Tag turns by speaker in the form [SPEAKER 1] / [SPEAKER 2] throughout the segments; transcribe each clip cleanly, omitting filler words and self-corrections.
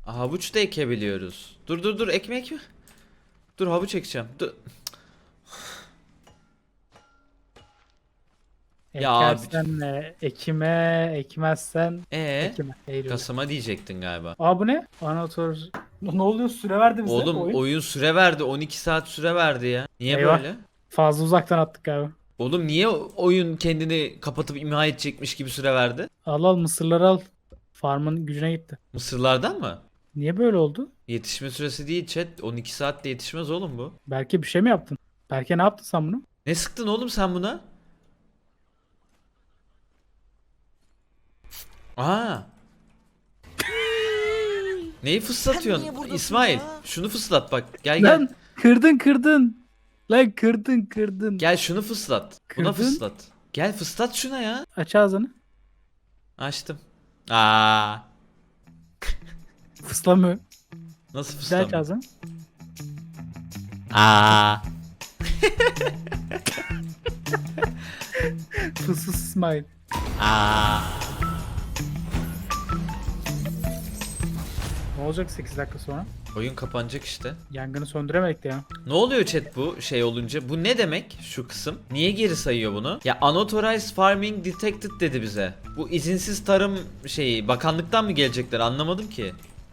[SPEAKER 1] Havuç da ekebiliyoruz. Dur ekmek mi? Dur havuç ekeceğim. Dur. Ya abi.
[SPEAKER 2] Ekersen ekime, ekmezsen
[SPEAKER 1] Ee,
[SPEAKER 2] ekime. Eylül.
[SPEAKER 1] Kasım'a diyecektin galiba.
[SPEAKER 2] Aa bu ne? Anahtar. Ne oluyor? Süre verdi bize
[SPEAKER 1] Oğlum
[SPEAKER 2] oyun.
[SPEAKER 1] oyun süre verdi. 12 saat süre verdi ya. Niye
[SPEAKER 2] Eyvah.
[SPEAKER 1] böyle?
[SPEAKER 2] Fazla uzaktan attık galiba.
[SPEAKER 1] Oğlum niye oyun kendini kapatıp imha edecekmiş gibi süre verdi?
[SPEAKER 2] Al mısırları al. Farmın gücüne gitti.
[SPEAKER 1] Mısırlardan mı?
[SPEAKER 2] Niye böyle oldu?
[SPEAKER 1] Yetişme süresi değil chat. 12 saatte yetişmez oğlum bu.
[SPEAKER 2] Belki bir şey mi yaptın? Belki ne yaptın sen bunu?
[SPEAKER 1] Ne sıktın oğlum sen buna? Aa. Neyi fıslatıyorsun? İsmail, şunu fıslat bak. Gel gel.
[SPEAKER 2] Lan kırdın. Lan kırdın.
[SPEAKER 1] Gel şunu fıslat. Buna
[SPEAKER 2] Kırdın.
[SPEAKER 1] fıslat. Gel fıslat şuna ya.
[SPEAKER 2] Aç ağzını.
[SPEAKER 1] Açtım. Aa.
[SPEAKER 2] Fıslamıyor.
[SPEAKER 1] Nasıl
[SPEAKER 2] Bir daha aç
[SPEAKER 1] fıslamıyor?
[SPEAKER 2] ağzını.
[SPEAKER 1] Aa.
[SPEAKER 2] Fıssız İsmail.
[SPEAKER 1] Aa.
[SPEAKER 2] Ne olacak 8 dakika sonra?
[SPEAKER 1] Oyun kapanacak işte.
[SPEAKER 2] Yangını söndüremedik de ya.
[SPEAKER 1] Ne oluyor chat bu şey olunca? Bu ne demek şu kısım? Niye geri sayıyor bunu? Ya unauthorized farming detected dedi bize. Bu izinsiz tarım şeyi bakanlıktan mı gelecekler anlamadım ki.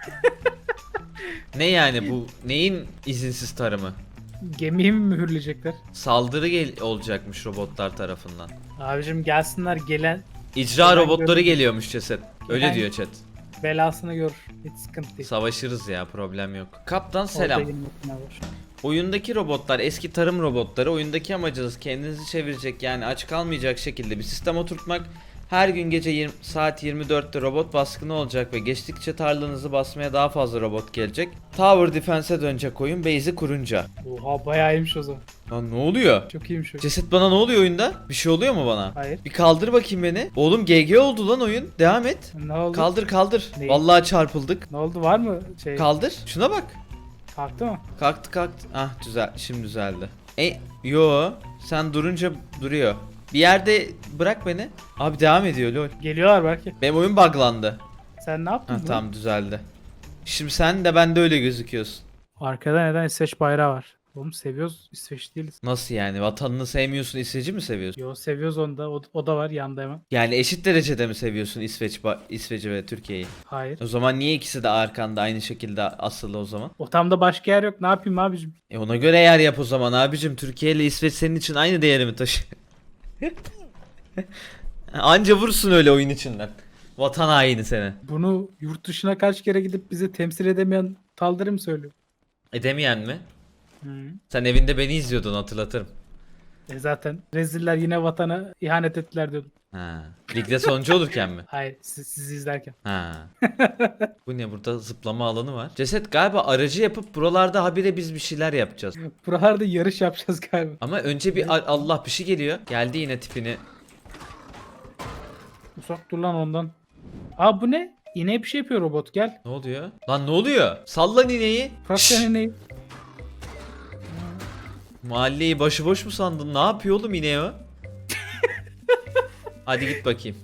[SPEAKER 1] Ne yani bu neyin izinsiz tarımı?
[SPEAKER 2] Gemiyi mi mühürleyecekler?
[SPEAKER 1] Saldırı olacakmış robotlar tarafından.
[SPEAKER 2] Abicim gelsinler gelen
[SPEAKER 1] İcra
[SPEAKER 2] Ben
[SPEAKER 1] robotları
[SPEAKER 2] görmedim.
[SPEAKER 1] geliyormuş ceset. Öyle
[SPEAKER 2] Ben-
[SPEAKER 1] diyor chat.
[SPEAKER 2] belasını gör. Hiç sıkıntı değil.
[SPEAKER 1] Savaşırız ya problem yok. Kaptan
[SPEAKER 2] Orada
[SPEAKER 1] selam.
[SPEAKER 2] 20 makine var.
[SPEAKER 1] Oyundaki robotlar eski tarım robotları. Oyundaki amacınız kendinizi çevirecek yani aç kalmayacak şekilde bir sistem oturtmak. Her gün gece saat 24'te robot baskını olacak ve geçtikçe tarlanızı basmaya daha fazla robot gelecek. Tower Defense'e dönecek oyun base'i kurunca.
[SPEAKER 2] Oha bayağı iyiymiş o zaman.
[SPEAKER 1] Lan ne oluyor?
[SPEAKER 2] Çok iyiymiş o.
[SPEAKER 1] Ceset bana ne oluyor oyunda? Bir şey oluyor mu bana?
[SPEAKER 2] Hayır.
[SPEAKER 1] Bir kaldır bakayım beni. Oğlum GG oldu lan oyun. Devam et.
[SPEAKER 2] Ne oldu?
[SPEAKER 1] Kaldır.
[SPEAKER 2] Neyi?
[SPEAKER 1] Vallahi çarpıldık.
[SPEAKER 2] Ne oldu var mı şey?
[SPEAKER 1] Kaldır. Şuna bak.
[SPEAKER 2] Kalktı mı?
[SPEAKER 1] Kalktı. Ah güzel. Şimdi düzeldi. Yo. Sen durunca duruyor. Bir yerde bırak beni. Abi devam ediyor lol.
[SPEAKER 2] Geliyorlar belki.
[SPEAKER 1] Benim oyun buglandı.
[SPEAKER 2] Sen ne yaptın?
[SPEAKER 1] Ha
[SPEAKER 2] burada?
[SPEAKER 1] tamam düzeldi. Şimdi sen de ben de öyle gözüküyorsun.
[SPEAKER 2] Arkada neden İsveç bayrağı var? Oğlum seviyoruz. İsveç değiliz.
[SPEAKER 1] Nasıl yani? Vatanını sevmiyorsun, İsveç'i mi seviyorsun?
[SPEAKER 2] Yo seviyoruz onu da. O da var yanında hemen.
[SPEAKER 1] Yani eşit derecede mi seviyorsun İsveç'i ve Türkiye'yi?
[SPEAKER 2] Hayır.
[SPEAKER 1] O zaman niye ikisi de arkanda aynı şekilde asılı o zaman?
[SPEAKER 2] Otamda başka yer yok. Ne yapayım abicim?
[SPEAKER 1] Ona göre yer yap o zaman abicim. Türkiye ile İsveç senin için aynı değeri mi taşıyor? Anca vursun öyle oyun içinden. Vatan haini seni.
[SPEAKER 2] Bunu yurt dışına kaç kere gidip bizi temsil edemeyen Taldır mı söylüyor?
[SPEAKER 1] Edemeyen mi?
[SPEAKER 2] Hı.
[SPEAKER 1] Sen evinde beni izliyordun hatırlatırım.
[SPEAKER 2] Zaten reziller yine vatana ihanet ettiler diyordum.
[SPEAKER 1] Ha. Ligde sonuncu olurken mi?
[SPEAKER 2] Hayır sizi izlerken.
[SPEAKER 1] Ha. Bu ne burada zıplama alanı var. Ceset galiba aracı yapıp buralarda habire biz bir şeyler yapacağız.
[SPEAKER 2] Buralarda yarış yapacağız galiba.
[SPEAKER 1] Ama önce bir Allah bir şey geliyor. Geldi yine tipini.
[SPEAKER 2] Uzak dur lan ondan. Aa bu ne? İneğe bir şey yapıyor robot gel.
[SPEAKER 1] Ne oluyor? Lan ne oluyor? Sallan ineği.
[SPEAKER 2] Bırak
[SPEAKER 1] Şşş!
[SPEAKER 2] sen ineği.
[SPEAKER 1] Mahalleyi başıboş mu sandın? Ne yapıyor oğlum ineği o? Hadi git bakayım.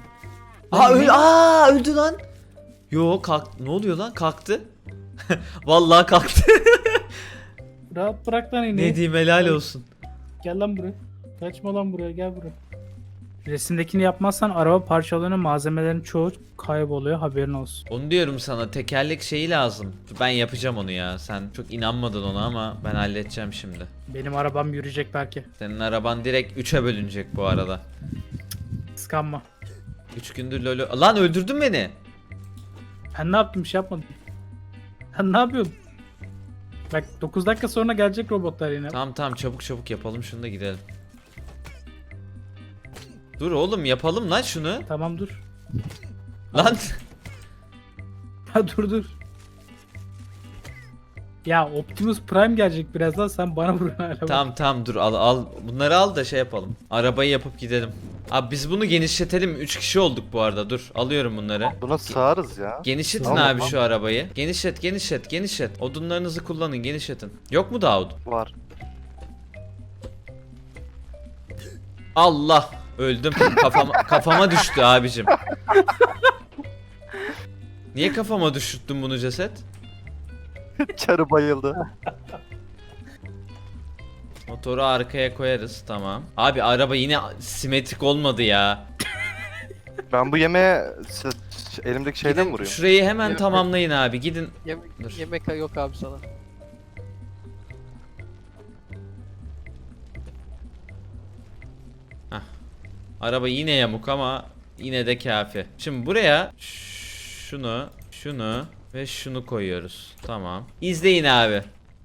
[SPEAKER 1] Öldü lan. Yo kalk. Ne oluyor lan? Kalktı. Vallahi kalktı.
[SPEAKER 2] Rahat bırak lan ineği.
[SPEAKER 1] Ne diyeyim helal olsun.
[SPEAKER 2] Gel lan buraya. Kaçma lan buraya gel buraya. Resimdekini yapmazsan araba parçalarının malzemelerin çoğu kayboluyor haberin olsun.
[SPEAKER 1] Onu diyorum sana tekerlek şeyi lazım. Ben yapacağım onu ya. Sen çok inanmadın ona ama ben halledeceğim şimdi.
[SPEAKER 2] Benim arabam yürüyecek belki.
[SPEAKER 1] Senin araban direkt 3'e bölünecek bu arada.
[SPEAKER 2] Kıskanma.
[SPEAKER 1] 3 gündür lolo... Lan öldürdün beni.
[SPEAKER 2] Ben ne yaptım bir şey yapmadım. Sen ne yapıyordun? Bak 9 dakika sonra gelecek robotlar yine.
[SPEAKER 1] Tamam çabuk yapalım şunu da gidelim. Dur oğlum yapalım lan şunu.
[SPEAKER 2] Tamam dur.
[SPEAKER 1] Lan
[SPEAKER 2] Ha dur. Ya Optimus Prime gelecek birazdan sen bana vurun hala. bak.
[SPEAKER 1] tamam dur al bunları al da şey yapalım. Arabayı yapıp gidelim. Abi biz bunu genişletelim. 3 kişi olduk bu arada. Dur alıyorum bunları.
[SPEAKER 3] Buna sığarız ya.
[SPEAKER 1] Genişletin
[SPEAKER 3] Tamam,
[SPEAKER 1] abi
[SPEAKER 3] tamam.
[SPEAKER 1] şu arabayı. Genişlet. Odunlarınızı kullanın genişletin. Yok mu daha odun?
[SPEAKER 3] Var.
[SPEAKER 1] Allah öldüm. Kafama düştü abicim. Niye kafama düşürttün bunu ceset?
[SPEAKER 3] Çarı bayıldı.
[SPEAKER 1] Motoru arkaya koyarız, tamam. Abi araba yine simetrik olmadı ya.
[SPEAKER 3] Ben bu yemeğe elimdeki şeyden mi
[SPEAKER 1] Gidin
[SPEAKER 3] vurayım?
[SPEAKER 1] şurayı hemen
[SPEAKER 4] Yemek-
[SPEAKER 1] tamamlayın abi, gidin. Dur.
[SPEAKER 4] Yemek yok abi sana.
[SPEAKER 1] Araba yine yamuk ama yine de kafi. Şimdi buraya şunu ve şunu koyuyoruz. Tamam. İzleyin abi.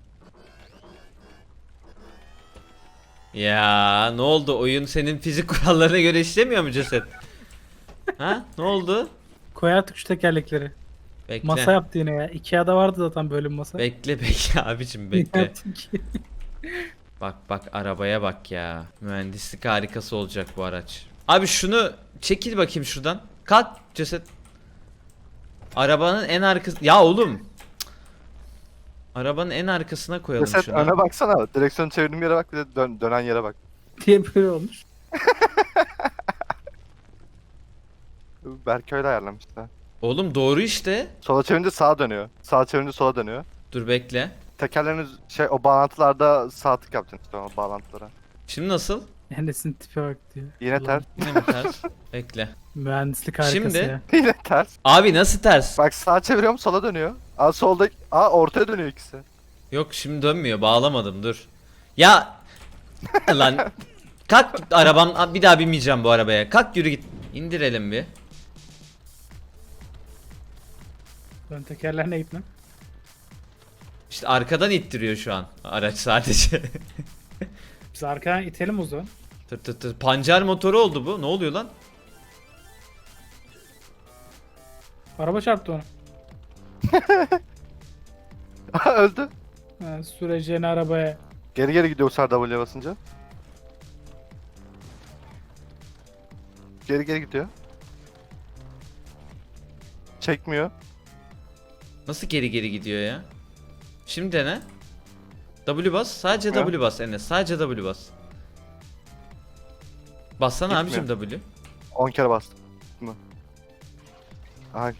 [SPEAKER 1] Ya ne oldu? Oyun senin fizik kurallarına göre işlemiyor mu ceset? Ha? Ne oldu?
[SPEAKER 2] Koy artık şu tekerlekleri.
[SPEAKER 1] Bekle.
[SPEAKER 2] Masa yaptı yine ya. Ikea'da vardı zaten böyle bir masa.
[SPEAKER 1] Bekle abicim bekle.
[SPEAKER 2] Yaptı ki.
[SPEAKER 1] Bak arabaya bak ya. Mühendislik harikası olacak bu araç. Abi şunu çekil bakayım şuradan. Kalk ceset. Arabanın en arkası... Ya oğlum. Cık. Arabanın en arkasına koyalım
[SPEAKER 3] Ceset
[SPEAKER 1] şunu.
[SPEAKER 3] öne baksana. Direksiyonu çevirdiğim yere bak, bir de dönen yere bak.
[SPEAKER 2] diye böyle olmuş.
[SPEAKER 3] Belki öyle ayarlamışlar.
[SPEAKER 1] Oğlum doğru işte.
[SPEAKER 3] Sola çevirince sağa dönüyor. Sağa çevirince sola dönüyor.
[SPEAKER 1] Dur bekle.
[SPEAKER 3] Tekerlerin o bağlantılarda sağ tık yapacaksın işte o bağlantılara.
[SPEAKER 1] Şimdi nasıl?
[SPEAKER 2] Enes'in tipe bak diyor.
[SPEAKER 3] Yine
[SPEAKER 2] Ulan,
[SPEAKER 3] ters.
[SPEAKER 1] Yine mi ters? Bekle.
[SPEAKER 2] Mühendislik harikası
[SPEAKER 1] Şimdi-
[SPEAKER 2] ya.
[SPEAKER 3] Yine ters.
[SPEAKER 1] Abi nasıl ters?
[SPEAKER 3] Bak sağa çeviriyorum sola dönüyor. Aa solda, ortaya dönüyor ikisi.
[SPEAKER 1] Yok şimdi dönmüyor. Bağlamadım dur. Ya lan kalk arabam, bir daha binmeyeceğim bu arabaya. Kalk yürü git. İndirelim bir.
[SPEAKER 2] Ön tekerler ne gitme?
[SPEAKER 1] İşte arkadan ittiriyor şu an araç sadece.
[SPEAKER 2] Biz arkadan itelim o zaman.
[SPEAKER 1] Tır. Pancar motoru oldu bu. Ne oluyor lan?
[SPEAKER 2] Araba çarptı onu.
[SPEAKER 3] Öldü.
[SPEAKER 2] Ha, süreceğini arabaya.
[SPEAKER 3] Geri geri gidiyor Serdar W'ye basınca. Geri geri gidiyor. Çekmiyor.
[SPEAKER 1] Nasıl geri gidiyor ya? Şimdi dene. W bas. Sadece
[SPEAKER 3] Gitmiyor.
[SPEAKER 1] W bas Enes. Sadece W bas. Bassana abicim
[SPEAKER 3] Gitmiyor.
[SPEAKER 1] W.
[SPEAKER 3] 10 kere bastım. Mı? Aha.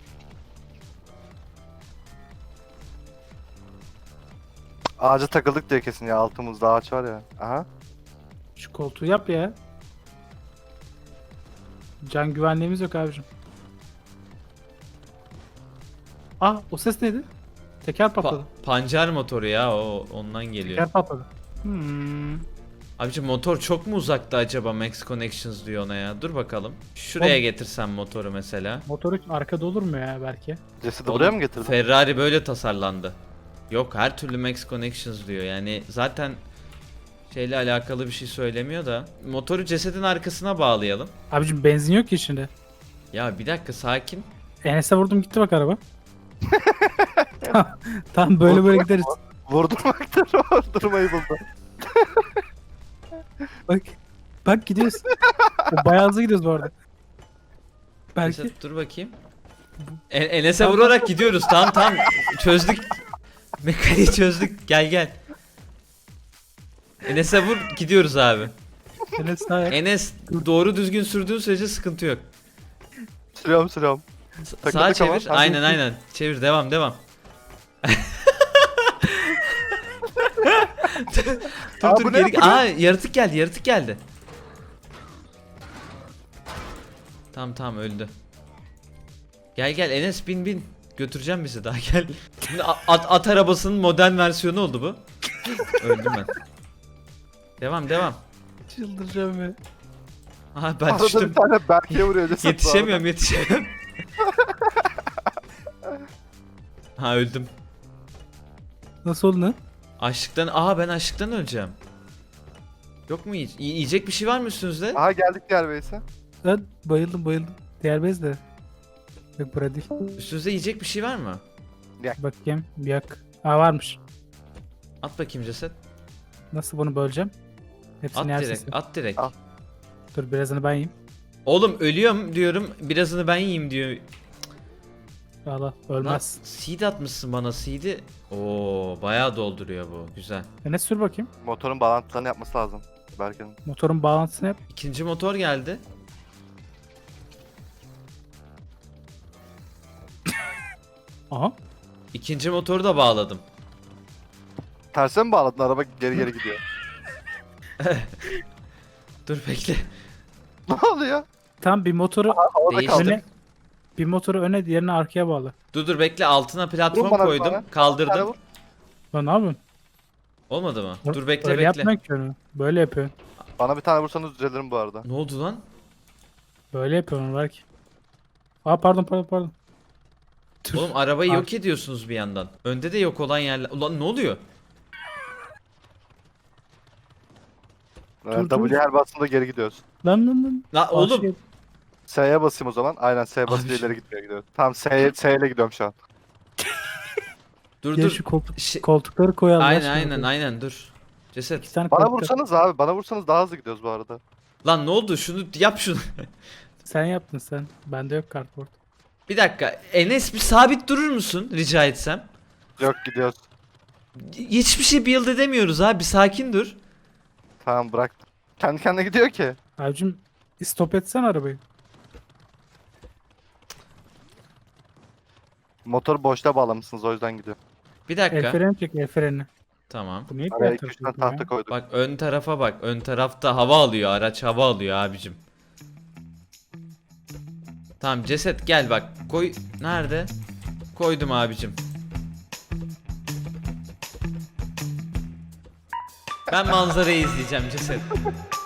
[SPEAKER 3] Ağaca takıldık diye kesin ya, altımızda ağaç var ya. Aha.
[SPEAKER 2] Şu koltuğu yap ya. Can güvenliğimiz yok abicim. Ah o ses neydi? Teker patladı.
[SPEAKER 1] Pancar motoru ya, o ondan geliyor.
[SPEAKER 2] Teker patladı. Hmm.
[SPEAKER 1] Abicim motor çok mu uzakta acaba, Max Connections diyor ona ya. Dur bakalım. Şuraya
[SPEAKER 2] Oğlum.
[SPEAKER 1] getirsem motoru mesela.
[SPEAKER 2] Motor hiç arkada olur mu ya belki?
[SPEAKER 3] Cesedi buraya mı getirdin?
[SPEAKER 1] Ferrari böyle tasarlandı. Yok, her türlü Max Connections diyor. Yani zaten şeyle alakalı bir şey söylemiyor da. Motoru cesedin arkasına bağlayalım.
[SPEAKER 2] Abicim benzin yok ki içinde.
[SPEAKER 1] Ya bir dakika, sakin.
[SPEAKER 2] Enes'e vurdum gitti bak araba. Tamam böyle gideriz.
[SPEAKER 3] Vurdurmaktan vurdurmayı buldu.
[SPEAKER 2] Bak. Bak gidiyoruz. O bayağı hızlı gidiyoruz bu arada. Belki.
[SPEAKER 1] Ceset, dur bakayım. Enes'e vurarak gidiyoruz. Tamam. Çözdük. Mekaniği çözdük. Gel. Enes'e vur, gidiyoruz abi.
[SPEAKER 2] Enes daha yak.
[SPEAKER 1] Enes doğru düzgün sürdüğün sürece sıkıntı yok.
[SPEAKER 3] Sürüyorum.
[SPEAKER 1] Sağa
[SPEAKER 3] Takıldık ama.
[SPEAKER 1] çevir. Aynen. Çevir, devam.
[SPEAKER 3] Aa,
[SPEAKER 1] dur
[SPEAKER 3] bu ne?
[SPEAKER 1] geri.
[SPEAKER 3] Bu ne?
[SPEAKER 1] Aa, yaratık geldi. Tamam öldü. Gel Enes, bin. Götüreceğim bizi daha, gel. Şimdi at arabasının modern versiyonu oldu bu. Öldüm ben. Devam.
[SPEAKER 2] Çıldıracağım ya.
[SPEAKER 1] Aha, ben
[SPEAKER 3] Arada bir
[SPEAKER 1] düştüm.
[SPEAKER 3] tane Berke'ye vuruyor ceset.
[SPEAKER 1] Yetişemiyorum. Ha, öldüm.
[SPEAKER 2] Nasıl oldu lan?
[SPEAKER 1] Ben açlıktan öleceğim. Yok mu yiyecek bir şey var mı üstünüzde?
[SPEAKER 3] Aha geldik diğer base'e.
[SPEAKER 2] Ben bayıldım. Diğer bez de. Yok burada değil.
[SPEAKER 1] Üstünüzde yiyecek bir şey var mı?
[SPEAKER 2] Bakayım bir yak. Aa varmış.
[SPEAKER 1] At bakayım ceset.
[SPEAKER 2] Nasıl bunu böleceğim?
[SPEAKER 1] At
[SPEAKER 2] Hepsini yer
[SPEAKER 1] direkt.
[SPEAKER 2] sesi.
[SPEAKER 1] At direkt.
[SPEAKER 3] Al.
[SPEAKER 2] Dur birazını ben yiyeyim.
[SPEAKER 1] Oğlum ölüyorum diyorum. Birazını ben yiyeyim diyor.
[SPEAKER 2] Allah
[SPEAKER 1] Lan
[SPEAKER 2] ölmez.
[SPEAKER 1] seed atmışsın bana, seed'i. Oo, bayağı dolduruyor bu. Güzel.
[SPEAKER 2] Enes sür bakayım.
[SPEAKER 3] Motorun bağlantılarını yapması lazım. Berke'nin.
[SPEAKER 2] Motorun bağlantısını yap.
[SPEAKER 1] İkinci motor geldi.
[SPEAKER 2] Aha.
[SPEAKER 1] İkinci motoru da bağladım.
[SPEAKER 3] Terse mi bağladın? Araba geri geri gidiyor.
[SPEAKER 1] Dur bekle.
[SPEAKER 3] Ne oluyor?
[SPEAKER 2] Tam bir motoru
[SPEAKER 3] Havada
[SPEAKER 1] Değiştim.
[SPEAKER 3] kaldı.
[SPEAKER 2] öne, bir motoru öne, diğerini arkaya bağla.
[SPEAKER 1] Dur bekle, altına platform
[SPEAKER 3] Vur bana bir
[SPEAKER 1] koydum.
[SPEAKER 3] tane.
[SPEAKER 1] Kaldırdım.
[SPEAKER 3] Vur.
[SPEAKER 2] Lan ne yapıyorsun?
[SPEAKER 1] Olmadı mı? Dur bekle
[SPEAKER 2] Böyle
[SPEAKER 1] bekle.
[SPEAKER 2] yapmıyor ki onu. Böyle yapıyor.
[SPEAKER 3] Bana bir tane vursanız düzelirim bu arada.
[SPEAKER 1] Ne oldu lan?
[SPEAKER 2] Böyle yapıyor onu belki. Aa pardon. Tüh.
[SPEAKER 1] Oğlum arabayı
[SPEAKER 2] Ar-
[SPEAKER 1] yok ediyorsunuz bir yandan. Önde de yok olan yerler. Ulan ne oluyor?
[SPEAKER 2] Dur,
[SPEAKER 3] W her bastığında geri gidiyoruz.
[SPEAKER 2] Lan.
[SPEAKER 1] La oğlum.
[SPEAKER 2] Şey,
[SPEAKER 3] S'ye basayım o zaman. Aynen S basınca
[SPEAKER 1] Abi.
[SPEAKER 3] ileri gitmeye gidiyoruz. Tamam S ile gidiyorum şu an.
[SPEAKER 1] Dur
[SPEAKER 2] gel
[SPEAKER 1] dur.
[SPEAKER 2] şu
[SPEAKER 1] Şey-
[SPEAKER 2] koltukları koyalım.
[SPEAKER 1] Aynen dur. Ceset.
[SPEAKER 2] İki tane
[SPEAKER 3] Bana
[SPEAKER 2] koltuk.
[SPEAKER 3] vursanız abi. Bana vursanız daha hızlı gidiyoruz bu arada.
[SPEAKER 1] Lan ne oldu? Şunu yap şunu.
[SPEAKER 2] Sen yaptın sen. Bende yok kartport.
[SPEAKER 1] Bir dakika. Enes bir sabit durur musun rica etsem?
[SPEAKER 3] Yok gidiyoruz.
[SPEAKER 1] Hiçbir şey build edemiyoruz abi. Sakin dur.
[SPEAKER 3] Tamam bırak. Kendi kendine gidiyor ki.
[SPEAKER 2] Abicim stop etsen arabayı.
[SPEAKER 3] Motoru boşta bağlamışsınız o yüzden gidiyor.
[SPEAKER 1] Bir
[SPEAKER 2] El
[SPEAKER 1] dakika.
[SPEAKER 2] freni çek, el freni.
[SPEAKER 1] Tamam.
[SPEAKER 2] Bu niye
[SPEAKER 3] Araya
[SPEAKER 2] diğer
[SPEAKER 3] 2-3
[SPEAKER 2] tarafa
[SPEAKER 3] tane
[SPEAKER 2] gidiyor
[SPEAKER 3] tahta
[SPEAKER 2] ya?
[SPEAKER 3] koyduk.
[SPEAKER 1] Bak ön tarafa bak. Ön tarafta hava alıyor. Araç hava alıyor abicim. Tamam ceset gel bak. Koy. Nerede? Koydum abicim. Ben manzarayı izleyeceğim ceset.